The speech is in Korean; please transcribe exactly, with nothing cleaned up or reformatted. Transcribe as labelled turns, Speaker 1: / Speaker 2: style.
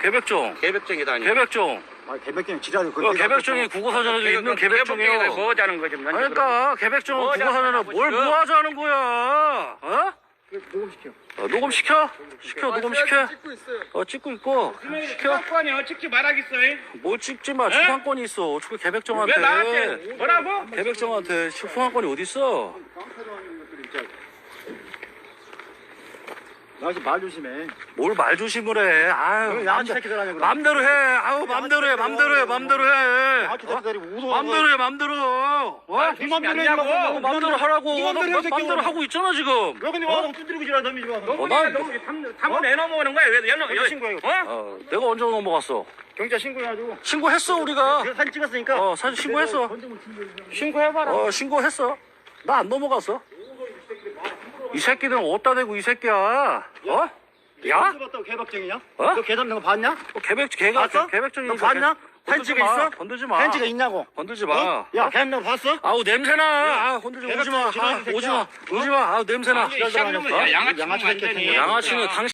Speaker 1: 개백종.
Speaker 2: 개백종이다니.
Speaker 1: 개백종.
Speaker 3: 아, 개백종이 지랄이
Speaker 1: 어, 개백종이 국어사전에도 있는 개백종이요.
Speaker 2: 뭐 하자는 거지?
Speaker 1: 그러니까 개백종은
Speaker 2: 뭐
Speaker 1: 국어사전에
Speaker 2: 하자는
Speaker 1: 뭘
Speaker 2: 거지?
Speaker 1: 뭐 하자는 거야? 어?
Speaker 3: 녹음시켜.
Speaker 1: 어, 녹음 시켜? 시켜 녹음 시켜? 어 찍고 있고 시켜?
Speaker 2: 시켜. 찍지 말아겠어.
Speaker 1: 뭘 찍지 마. 추상권이 있어. 어떻게 개백종한테?
Speaker 2: 왜 나한테 뭐라고?
Speaker 1: 개백종한테 추상권이 어디 있어?
Speaker 3: 나 지금 말 조심해.
Speaker 1: 뭘 말 조심을 해? 아유,
Speaker 3: 그럼 양아치 새끼들 아니야, 그럼.
Speaker 1: 맘대로 해. 아유, 맘대로 해. 맘대로 해. 맘대로 해.
Speaker 3: 양아치 새끼들이 웃어.
Speaker 1: 맘대로 해. 맘대로. 어?
Speaker 3: 네 맘대로
Speaker 2: 아니냐고.
Speaker 3: 해라고.
Speaker 1: 어, 맘대로 하라고.
Speaker 3: 네 맘대로
Speaker 1: 너
Speaker 3: 해, 새끼야.
Speaker 1: 맘대로 하고 있잖아 지금.
Speaker 3: 왜 근데 와서 두드리고 지랄 놈이 지금 와서.
Speaker 1: 어, 난-
Speaker 2: 탐을 내놓으면 거야. 왜 연락
Speaker 3: 경찰 신고해.
Speaker 2: 어?
Speaker 1: 어, 내가 언제 넘어갔어?
Speaker 3: 경찰 신고해가지고.
Speaker 1: 신고했어 우리가.
Speaker 3: 내가 사진 찍었으니까.
Speaker 1: 어, 사진 신고했어.
Speaker 2: 신고해봐라.
Speaker 1: 어, 신고했어. 나 안 넘어갔어. 이 새끼들은 어디다 대고 이 새끼야. 어? 야?
Speaker 3: 봤다고 개박쟁이냐?
Speaker 1: 어?
Speaker 3: 너 개잡는 거 봤냐?
Speaker 1: 어, 개백 개가
Speaker 3: 봤어?
Speaker 1: 개백종이
Speaker 3: 너 봤냐?
Speaker 1: 건들지
Speaker 3: 펜치가
Speaker 1: 마.
Speaker 3: 있어?
Speaker 1: 건들지 마.
Speaker 3: 펜치가 있냐고.
Speaker 1: 건들지 마.
Speaker 3: 어? 야, 개잡는 거 봤어?
Speaker 1: 아우 냄새나. 아, 건들지 마. 오지 마.
Speaker 3: 개백종
Speaker 1: 아,
Speaker 3: 지랄
Speaker 1: 오지 마.
Speaker 3: 새끼야.
Speaker 1: 오지 마. 아우 냄새나.
Speaker 2: 이 쌍놈은 야, 양아치
Speaker 3: 양아치
Speaker 2: 완전히.
Speaker 3: 새끼야.
Speaker 1: 양아치는 당신